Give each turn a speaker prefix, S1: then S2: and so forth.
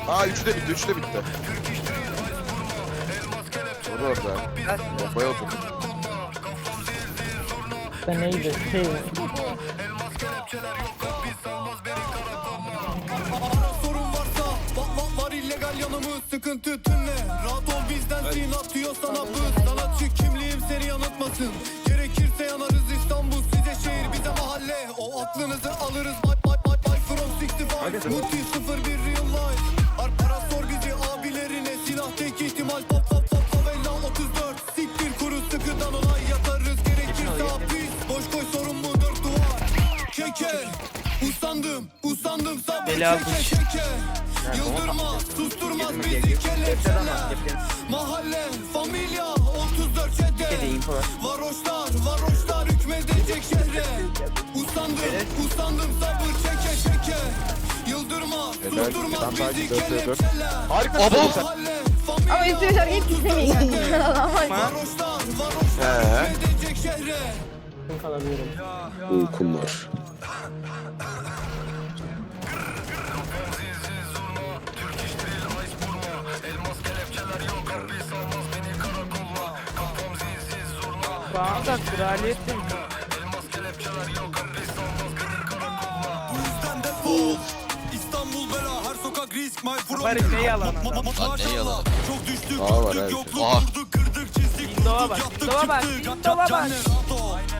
S1: Aa 3'ü de bitti, 3'ü de bitti. Dur orada. Bombaya otur.
S2: Ben neydi? Şey mi?
S3: Sorun varsa var illegal yanımız sıkıntı tümle. Rahat ol bizdensin atıyor sana bız. Sanatçı kimliğim seni yanıltmasın. Gerekirse yanarız İstanbul size şehir bize mahalle. O aklınızı alırız bye from 65. Muti 01 real life. Para sor bizi abilerine silah tek ihtimal favela 34. Siktir kuru sıkıdan olay yatarız. Gerekirse hapis boş koy sorun mu dört duvar. Keke usandım sabır çeke. Yıldırmaz susturmaz bizi kelepçeler. Mahalle familya 34 çete. Varoşlar hükmedecek şehre. Usandım sabır çeke. Yıldırmaz susturmaz bizi kelepçeler.
S1: Harika.
S3: Mahalle
S4: Ama
S3: familya
S4: üstüne şarkıyı dinlemeyin.
S3: Varoşlar hükmedecek şehre.
S2: Kalabilirim.
S5: Uykumlar.
S2: Bana da kraliyetim.
S3: İstanbul bela her sokak risk my from.
S2: Bari ne yalan adam.
S6: Ne yalan.
S3: Çok düştük
S1: Aa, var,
S3: düştük
S1: evet.
S3: yokluk
S6: Aa.
S3: vurduk kırdık çizdik
S2: Windows'a
S3: vurduk
S2: bak,
S3: yaptık
S2: Windows'a bak,
S3: çıktık
S2: Windows'a bak.
S3: Canler rahat ol.